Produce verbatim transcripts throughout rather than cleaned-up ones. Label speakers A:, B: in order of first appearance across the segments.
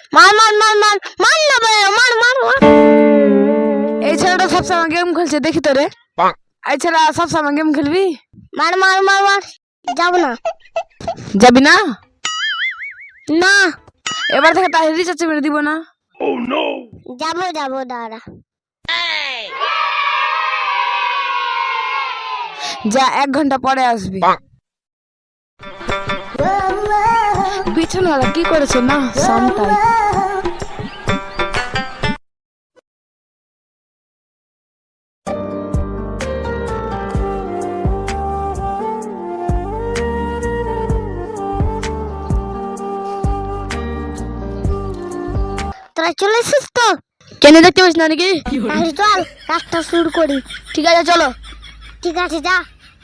A: মার মার মার মার মার না বে, মার মার মার।
B: এই ছেলেটা সবসময় গেম খেলছে, দেখি তো রে। এই ছেলে সবসময় গেম খেলবি?
A: মার মার মার মার। যাব না।
B: যাবি না?
A: না
B: এবার থেকে তাই রিচার্জ মেরে দিব না।
A: যাব যাব দাঁড়া।
B: যা, এক ঘন্টা পরে আসবি। বিছানাওয়ালা কি করেছে না সামটাই।
A: তোরা চলে এসেছিস তো?
B: কেন দেখতে পাস না নাকি?
A: তাহলে চল কাজটা শুরু করি।
B: ঠিক আছে চলো।
A: ঠিক আছে যা।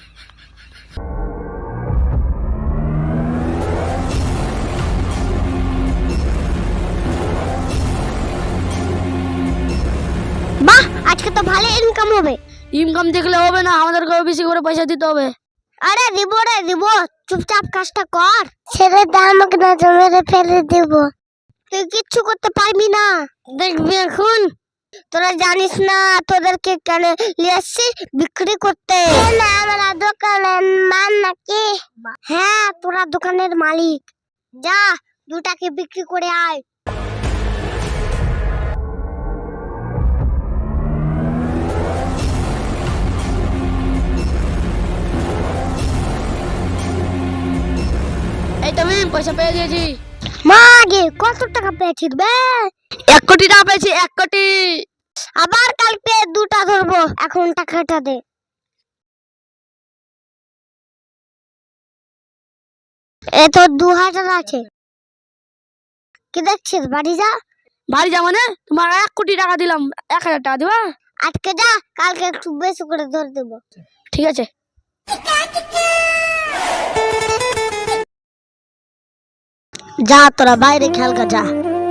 A: বাহ, আজকে তো ভালো ইনকাম হবে।
B: ইনকাম দেখলে হবে না, আমাদেরকে বেশি করে পয়সা দিতে হবে।
A: আরে দিব রে দিব, চুপচাপ কাজটা কর। ছেড়ে দে আমাকে, না জমেরে ফেলে দেব। তুই কিচ্ছু করতে পারবি না, দেখবি এখন। তোরা জানিস না তোদেরকে কেন নিয়ে আসছি? বিক্রি করতে। না আমরা দোকানের মান নাকি? হ্যাঁ তোরা দোকানের মালিক। যা দুটাকে বিক্রি করে আয়।
B: এই তো আমি পয়সা পেয়ে দিয়েছি।
A: মা আগে কত টাকা পেয়েছিস বে?
B: এক কোটি টাকা পেয়েছি, এক কোটি।
A: আবার কালকে দুটা ধরবো, এখন টাকাটা দে। এ তো দু হাজার আছে। কি দেখছিস? বাড়ি যা।
B: বাড়ি যা মানে? তোমার এক কোটি টাকা দিলাম, এক হাজার টাকা দিবা?
A: আজকে যা, কালকে একটু বেশি করে ধরে দেবো।
B: ঠিক আছে।
A: যা তোরা বাইরে খেলকা যা।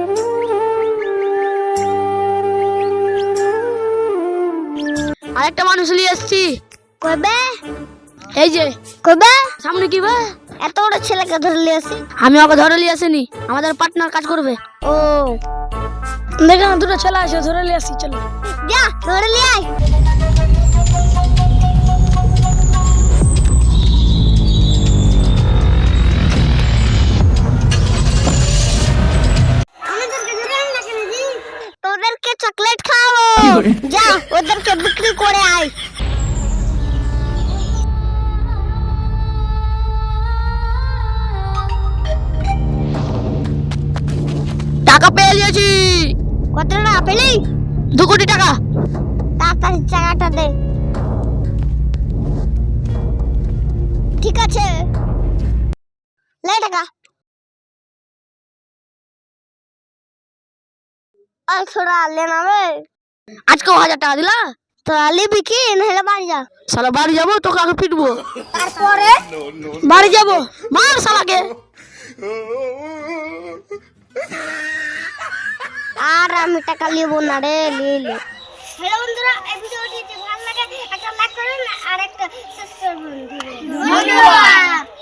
B: আরেকটা মানুষ নিয়ে এসছি।
A: কবে?
B: এই যে
A: কবে?
B: সামনে কি বে?
A: এত বড় ছেলেকে ধরে নিয়ে আসি?
B: আমি ওকে ধরে নিয়ে আসিনি, আমাদের পার্টনার কাজ করবে।
A: ও
B: দেখে না দুটো ছেলে আসে, ধরে নিয়ে আসি। চলো
A: যা ধরে নিয়ে আয়। তোদেরকে চকলেট খাওয়াবো। যা ওদেরকে বিক্রি করে আয়।
B: টাকা পেয়ে গেছি।
A: কত টাকা পেলি?
B: দু কোটি টাকা।
A: তাড়াতাড়ি টাকাটা দে। ঠিক আছে লে টাকা। আর ছোড়া লে না বে।
B: আজকেও হাজার টাকা দিলা?
A: তোরা লিবি কি? নাহলে বাড়ি যা।
B: শালা বাড়ি যাবো, তোকে আগে পিটবো।
A: তারপরে
B: বাড়ি যাবো, মার শালাকে।
A: আর আমি টাকা লিবো না রে, লিয়ে লে। হ্যালো বন্ধুরা, এই ভিডিওটি যদি ভালো লাগে একটা লাইক করুন আর একটা সাবস্ক্রাইব করুন। ধন্যবাদ।